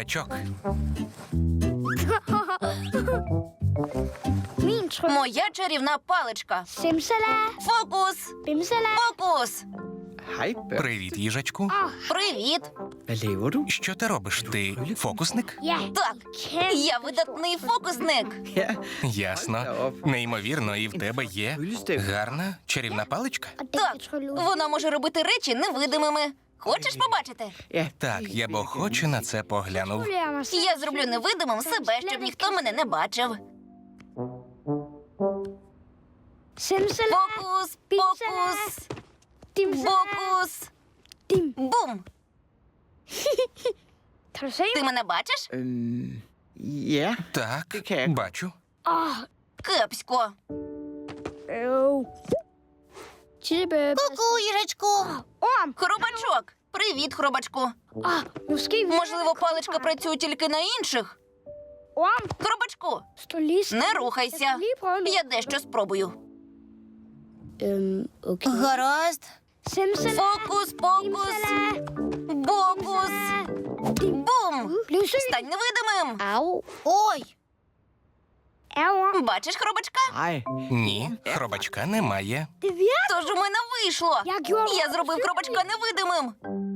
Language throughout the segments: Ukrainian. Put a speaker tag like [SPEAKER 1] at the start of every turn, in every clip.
[SPEAKER 1] хробачок.
[SPEAKER 2] Моя чарівна паличка.
[SPEAKER 3] Simsala,
[SPEAKER 2] Фокус!
[SPEAKER 3] bimsala.
[SPEAKER 2] Фокус!
[SPEAKER 4] Hej, Bert.
[SPEAKER 1] Привіт, їжачку.
[SPEAKER 2] Привіт!
[SPEAKER 4] Hvad laver du?
[SPEAKER 1] Що ти робиш? Ти фокусник?
[SPEAKER 3] Ja,
[SPEAKER 2] Так, я видатний фокусник.
[SPEAKER 4] Ja,
[SPEAKER 1] Ясно. Неймовірно, і в тебе є гарна чарівна паличка?
[SPEAKER 3] og den
[SPEAKER 2] Так,
[SPEAKER 3] kan trylle ud.
[SPEAKER 2] вона може робити речі невидимими. Хочеш побачити?
[SPEAKER 4] ja.
[SPEAKER 1] Так, я б охоче на це поглянув.
[SPEAKER 3] Tryller mig selv.
[SPEAKER 2] Я зроблю невидимим себе, щоб ніхто мене не бачив.
[SPEAKER 3] Simsala,
[SPEAKER 2] Фокус, фокус,
[SPEAKER 3] dimsala,
[SPEAKER 2] фокус.
[SPEAKER 3] dim.
[SPEAKER 2] Бум!
[SPEAKER 3] Kan du se
[SPEAKER 2] Ти
[SPEAKER 3] mig?
[SPEAKER 2] мене бачиш?
[SPEAKER 4] Ja,
[SPEAKER 1] Так,
[SPEAKER 4] Det kan я.
[SPEAKER 1] бачу.
[SPEAKER 3] Åh,
[SPEAKER 2] Кепсько.
[SPEAKER 3] Tittebøb.
[SPEAKER 2] Ку-ку, їжачку.
[SPEAKER 3] Orm.
[SPEAKER 2] Хробачок. Привіт, хробачку.
[SPEAKER 3] Måske
[SPEAKER 2] Можливо, паличка працює тільки на інших?
[SPEAKER 3] Orm,
[SPEAKER 2] Хробачку,
[SPEAKER 3] stå lige stille.
[SPEAKER 2] не
[SPEAKER 3] Jeg
[SPEAKER 2] рухайся.
[SPEAKER 3] skal lige prøve noget.
[SPEAKER 2] Я дещо спробую.
[SPEAKER 3] Okay.
[SPEAKER 2] Гаразд.
[SPEAKER 3] Simsala,
[SPEAKER 2] Фокус, фокус,
[SPEAKER 3] dimsala,
[SPEAKER 2] бокус. Бум!
[SPEAKER 3] bliv syg.
[SPEAKER 2] Стань невидимим.
[SPEAKER 3] Au.
[SPEAKER 2] Ой!
[SPEAKER 3] Orm.
[SPEAKER 2] Бачиш хробачка?
[SPEAKER 4] nej.
[SPEAKER 1] Ні, хробачка немає.
[SPEAKER 3] Det virker.
[SPEAKER 2] Тож у мене вийшло.
[SPEAKER 3] Jeg gjorde
[SPEAKER 2] Я зробив хробачка невидимим.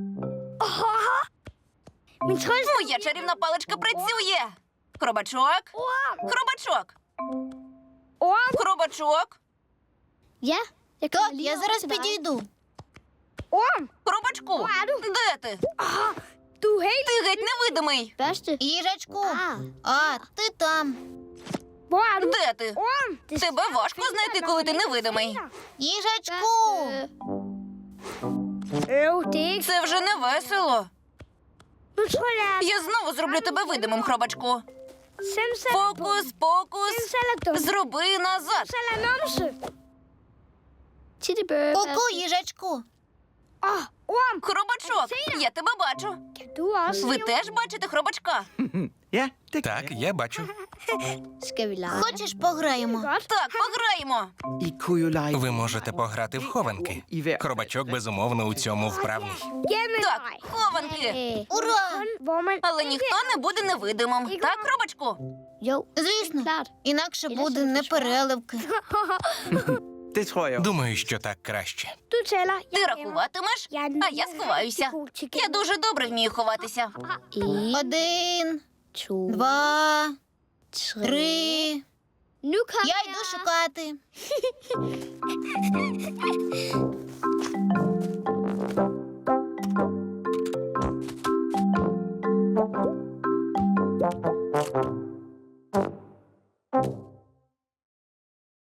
[SPEAKER 3] Min trylle.
[SPEAKER 2] Моя чарівна паличка працює. Хробачок,
[SPEAKER 3] Orm.
[SPEAKER 2] хробачок,
[SPEAKER 3] Orm.
[SPEAKER 2] хробачок,
[SPEAKER 3] Ja, jeg kommer lige over til dig.
[SPEAKER 2] підійду.
[SPEAKER 3] Orm,
[SPEAKER 2] Хробачку,
[SPEAKER 3] er du?
[SPEAKER 2] де ти?
[SPEAKER 3] du er helt
[SPEAKER 2] Ти геть невидимий.
[SPEAKER 3] børste.
[SPEAKER 2] Їжачку, а ти там.
[SPEAKER 3] Hvor er du?
[SPEAKER 2] Де ти?
[SPEAKER 3] Orm. Det
[SPEAKER 2] Тебе важко знайти, коли ти невидимий. Їжачку!
[SPEAKER 3] Det er ikke.
[SPEAKER 2] Це вже не весело.
[SPEAKER 3] Nu tror jeg,
[SPEAKER 2] Я знову зроблю тебе видимим, хробачку.
[SPEAKER 3] Simsala.
[SPEAKER 2] Фокус, фокус.
[SPEAKER 3] Simsala, dum.
[SPEAKER 2] Зроби назад.
[SPEAKER 3] Simsala, numse. Tittebøb.
[SPEAKER 2] їжачку.
[SPEAKER 3] Orm.
[SPEAKER 2] Хробачок, я тебе бачу.
[SPEAKER 3] Kan du også?
[SPEAKER 2] Ви теж бачите хробачка?
[SPEAKER 4] Ja, det
[SPEAKER 1] Так, я бачу.
[SPEAKER 3] Skal vi lege?
[SPEAKER 2] Хочеш пограємо?
[SPEAKER 3] Godt.
[SPEAKER 2] Так, пограємо.
[SPEAKER 4] I kunne jo lege
[SPEAKER 1] Ви можете пограти в хованки.
[SPEAKER 4] i hver.
[SPEAKER 1] Хробачок безумовно у цьому вправний.
[SPEAKER 3] Jamen,
[SPEAKER 2] Так,
[SPEAKER 3] nej.
[SPEAKER 2] хованки.
[SPEAKER 3] Ура! Hvor man...
[SPEAKER 2] Але ніхто не буде невидимим. Так, хробачку?
[SPEAKER 3] Jo,
[SPEAKER 2] Звісно.
[SPEAKER 3] klart.
[SPEAKER 2] Інакше
[SPEAKER 3] буде
[SPEAKER 2] непереливки.
[SPEAKER 4] Det tror jeg.
[SPEAKER 1] Думаю, що так краще.
[SPEAKER 3] Du tæller.
[SPEAKER 2] Ти рахуватимеш, а я сховаюся. Я дуже добре вмію ховатися. 1, 2, 3.
[SPEAKER 3] Nu kommer
[SPEAKER 2] Я йду шукати.